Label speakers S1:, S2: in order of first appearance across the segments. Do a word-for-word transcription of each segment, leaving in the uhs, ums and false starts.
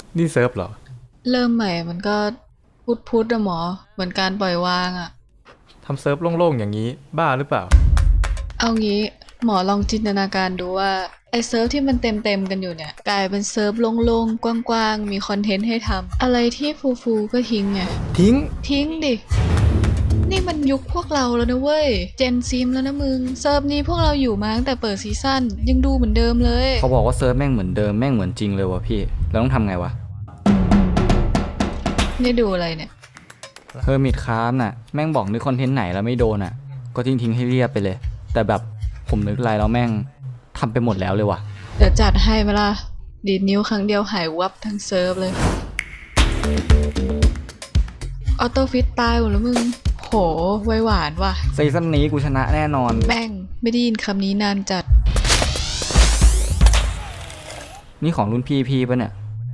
S1: นี่เซิร์ฟเหรอ
S2: เริ่มใหม่มันก็พุทพุทอะหมอเหมือนการปล่อยวางอะ
S1: ทำเซิร์ฟโล่งๆอย่างนี้บ้าหรือเปล่า
S2: เอางี้หมอลองจินตนาการดูว่าไอเซิร์ฟที่มันเต็มเต็มกันอยู่เนี่ยกลายเป็นเซิร์ฟโล่งๆกว้างๆมีคอนเทนต์ให้ทำอะไรที่ฟูๆก็ทิ้งไง
S1: ทิ้ง
S2: ทิ้งดินี่มันยุคพวกเราแล้วนะเว้ยเจนซีมแล้วนะมึงเซิร์ฟนี้พวกเราอยู่มาตั้งแต่เปิดซีซั่นยังดูเหมือนเดิมเลย
S3: เขาบอกว่าเซิร์ฟแม่งเหมือนเดิมแม่งเหมือนจริงเลยวะพี่แล้วต้องทำไงวะ
S2: นี่ดูอะไรเนี่ย
S3: เฮอร์มิตคราฟน่ะแม่งบอกนึกคอนเทนต์ไหนแล้วไม่โดนอ่ะก็ทิ้งทิ้งให้เรียบไปเลยแต่แบบผมนึกอะไรแล้วแม่งทำไปหมดแล้วเลยวะ
S2: เดี๋ยวจัดให้ไหมล่ะดีดนิ้วครั้งเดียวหายวับทั้งเซิร์ฟเลยออโต้ฟิตตายหมดแล้วมึงโหไวหวานว่ะ
S3: ซีซั่นนี้กูชนะแน่นอน
S2: แม่งไม่ได้ยินคำนี้นานจัด
S3: นี่ของรุ่นพี่พี่ปะเนี่ย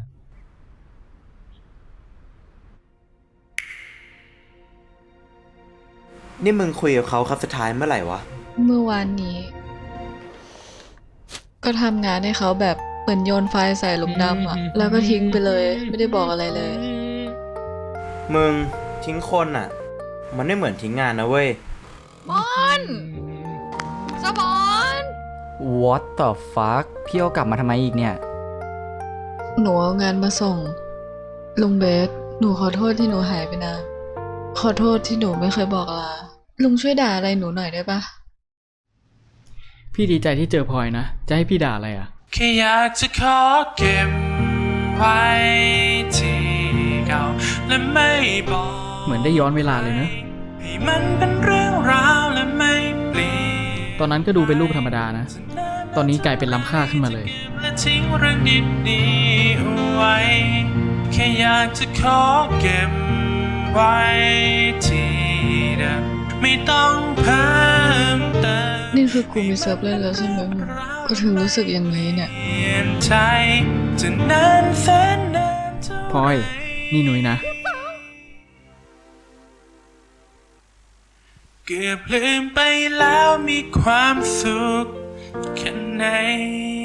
S4: นี่มึงคุยกับเขาครับสุดท้ายเมื่อไหร่วะ
S2: เมื่อวานนี้ ก็ทำงานให้เขาแบบเหมือนโยนไฟล์ใส่หลุมดำอะแล้วก็ทิ้งไปเลยไม่ได้บอกอะไรเลย
S4: มึงทิ้งคนอ่ะมันไม่เหมือนทิ้งงานนะเว้ย
S2: มอนสมอน
S3: What the fuck พี่เอากลับมาทำไมอีกเนี่ย
S2: หนูเอางานมาส่งลุงเบสหนูขอโทษที่หนูหายไปนานขอโทษที่หนูไม่เคยบอกลาลุงช่วยด่าอะไรหนูหน่อยได้ปะ
S5: พี่ดีใจที่เจอพลอยนะจะให้พี่ด่าอะไรอ่ะ
S6: แค่อยากจะขอเก็บไว้ที่เก่าและไม่บอก
S5: เหมือนได้ย้อนเวลาเลยนะ
S6: ให้มันเป็นเรื่องราวและไม่เปลี่ยน
S5: ตอนนั้นก็ดูเป็นรูปธรรมดานะตอนนี้กลายเป็นล้ำค่าขึ้นมาเลย
S6: และทิ้งเรื่องดีๆเอาไว้แค่อยากจะขอเก็บไว้ที่เดิมไม่ต้องเพิ่มเติม
S2: นี่คือกูมีเซิร์ฟเล่นแล้วใช่ไหมมึงก็ถึงรู้สึกอย่างนี้เนี่ย
S5: พลอยนี่หนุ่ยนะ
S6: เกือบลืมไปแล้วมีความสุขแค่ไหน